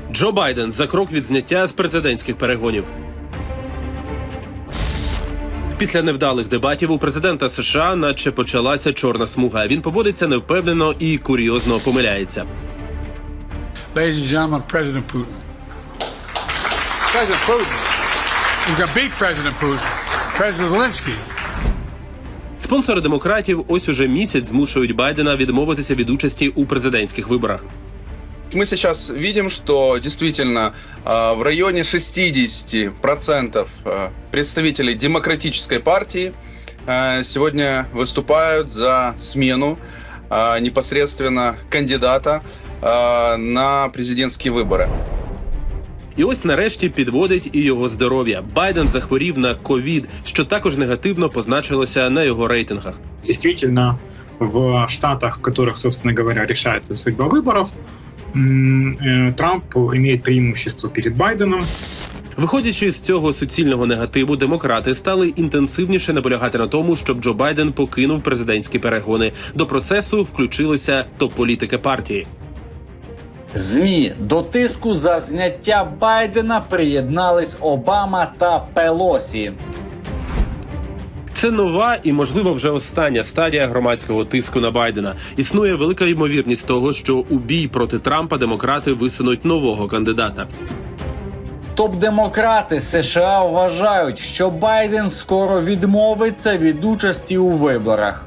Джо Байден за крок від зняття з президентських перегонів. Після невдалих дебатів у президента США наче почалася чорна смуга. Він поводиться невпевнено і курйозно помиляється. Ladies and gentlemen, President Putin. President Putin. He's gonna beat President Putin. President Zelensky. Спонсори демократів ось уже місяць змушують Байдена відмовитися від участі у президентських виборах. Мы сейчас видим, что действительно в районе 60% представителей демократической партии сегодня выступают за смену непосредственно кандидата на президентские выборы. І ось нарешті підводить і його здоров'я. Байден захворів на ковід, що також негативно позначилося на його рейтингах. Действительно, в штатах, в которых, собственно говоря, решается судьба выборов, Трамп имеет преимущество перед Байденом. Виходячи з цього суцільного негативу, демократи стали інтенсивніше наполягати на тому, щоб Джо Байден покинув президентські перегони. До процесу включилися топ-політики партії. ЗМІ до тиску за зняття Байдена приєднались Обама та Пелосі. Це нова і, можливо, вже остання стадія громадського тиску на Байдена. Існує велика ймовірність того, що у бій проти Трампа демократи висунуть нового кандидата. Топ-демократи США вважають, що Байден скоро відмовиться від участі у виборах.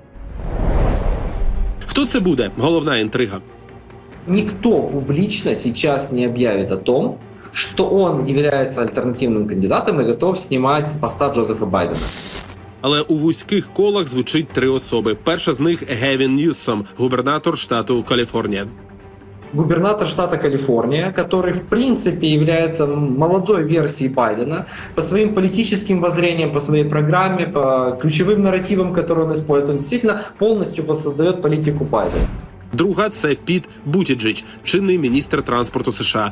Хто це буде? Головна інтрига. Никто публично сейчас не объявит о том, что он является альтернативным кандидатом и готов снимать с поста Джозефа Байдена. Але у вузьких колах звучить три особи. Перша з них – Гевін Ньюсом, губернатор штату Каліфорнія. Губернатор штата Калифорния, который в принципе является молодой версией Байдена по своим политическим воззрениям, по своей программе, по ключевым нарративам, которые он использует, он действительно полностью воссоздает политику Байдена. Друга – це Піт Бутіджедж, чинний міністр транспорту США.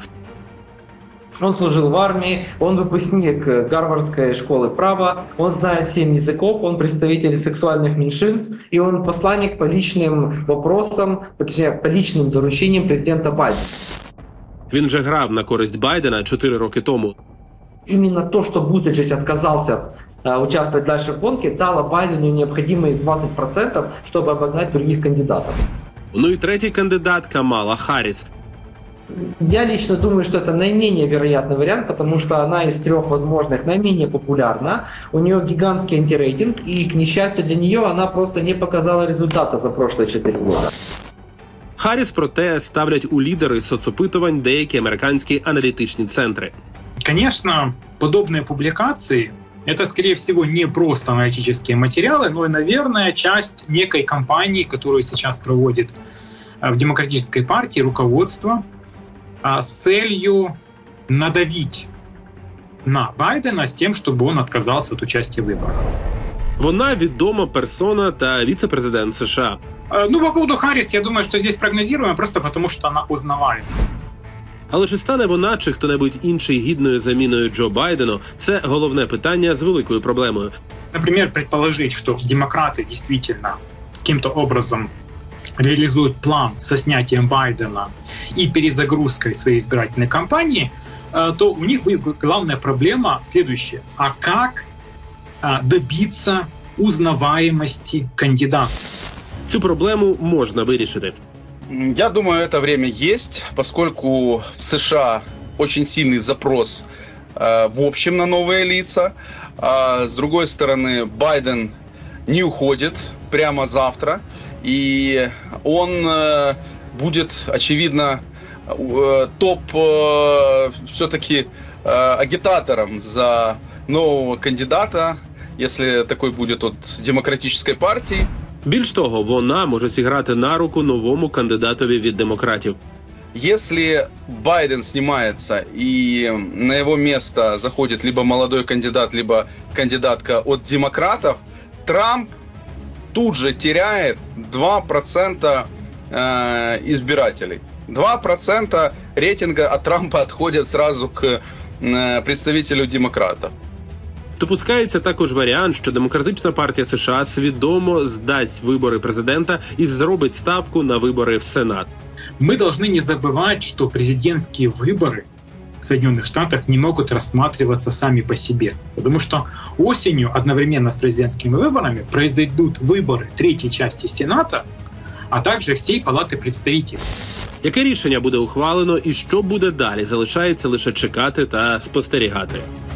Он служил в армии, он выпускник Гарвардской школы права, он знает 7 языков, он представитель сексуальных меньшинств, и он посланник по личным вопросам, точнее, по личным доручениям президента Байдена. Він вже грав на користь Байдена 4 роки тому. Именно то, что Бутиджедж отказался участвовать дальше в гонке, дало Байдену необходимые 20%, чтобы обогнать других кандидатов. Ну і третій кандидат – Камала Харріс. Я лично думаю, что это наименее вероятный вариант, потому что она из 3 возможных наименее популярна. У нее гигантский антирейтинг, и, к несчастью для нее, она просто не показала результата за прошлые 4 года. Харріс, проте, ставлять у лідери соцопитувань деякі американські аналітичні центри. Конечно, подобные публикации – это, скорее всего, не просто аналитические материалы, но и, наверное, часть некой кампании, которую сейчас проводит в демократической партии руководство с целью надавить на Байдена с тем, чтобы он отказался от участия в выборах. Вона відома персона та віце-президент США. Ну, по поводу Харрис, я думаю, что здесь прогнозируемо просто потому, что она узнаваема. Але чи стане вона, чи хто-небудь інший гідною заміною Джо Байдену – це головне питання з великою проблемою. Например, предположить, что демократы действительно каким-то образом реализуют план со снятием Байдена и перезагрузкой своей избирательной кампании, то у них будет главная проблема следующая. А как добиться узнаваемости кандидата? Цю проблему можна вирішити. Я думаю, это время есть, поскольку в США очень сильный запрос в общем на новые лица. С другой стороны, Байден не уходит прямо завтра, и он будет, очевидно, топ все-таки агитатором за нового кандидата, если такой будет от демократической партии. Більш того, вона може зіграти на руку новому кандидатові від демократів. Если Байден снимается и на его место заходит либо молодой кандидат, либо кандидатка от демократов, Трамп тут же теряет 2% избирателей. 2% рейтинга от Трампа отходят сразу к представителю демократов. Допускається також варіант, що Демократична партія США свідомо здасть вибори президента і зробить ставку на вибори в Сенат. Мы должны не забывать, что президентские выборы в Соединенных Штатах не могут рассматриваться сами по себе. Потому что осенью одновременно с президентскими выборами произойдут выборы третьей части Сената, а также всей Палати представителей. Яке рішення буде ухвалено і що буде далі, залишається лише чекати та спостерігати.